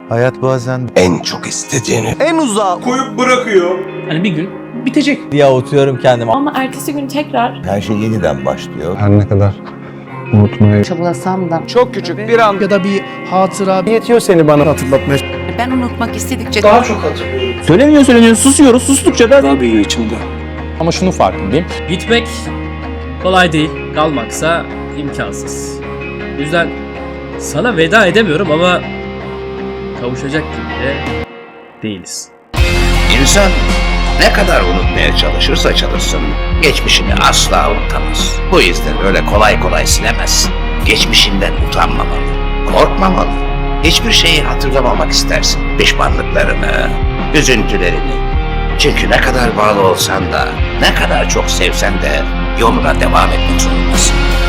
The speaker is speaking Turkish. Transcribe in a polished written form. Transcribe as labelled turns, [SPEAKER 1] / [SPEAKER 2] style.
[SPEAKER 1] Hayat bazen
[SPEAKER 2] En çok istediğini
[SPEAKER 1] en uzağa
[SPEAKER 3] koyup bırakıyor.
[SPEAKER 4] Hani bir gün bitecek.
[SPEAKER 1] diye avutuyorum kendimi.
[SPEAKER 5] Ama ertesi gün tekrar
[SPEAKER 2] her şey yeniden başlıyor.
[SPEAKER 6] Her ne kadar unutmayı
[SPEAKER 5] çabalasam da
[SPEAKER 1] Çok küçük bir an
[SPEAKER 7] ya da bir hatıra
[SPEAKER 6] yetiyor seni bana hatırlatmaya.
[SPEAKER 8] Ben unutmak istedikçe
[SPEAKER 3] Daha çok hatırlıyorum.
[SPEAKER 4] Söyleniyor susuyoruz. Sustukça da
[SPEAKER 3] Daha büyüyor içimde.
[SPEAKER 6] Ama şunu farkındayım.
[SPEAKER 4] gitmek kolay değil. Kalmaksa imkansız. O yüzden sana veda edemiyorum ama kavuşacak gibi de değiliz.
[SPEAKER 9] İnsan ne kadar unutmaya çalışırsa çalışsın, geçmişini asla unutamaz. Bu yüzden öyle kolay kolay silemez. Geçmişinden utanmamalı, korkmamalı. Hiçbir şeyi hatırlamamak istersin. Pişmanlıklarını, üzüntülerini. Çünkü ne kadar bağlı olsan da, ne kadar çok sevsen de yoluna devam etmek zorundasın.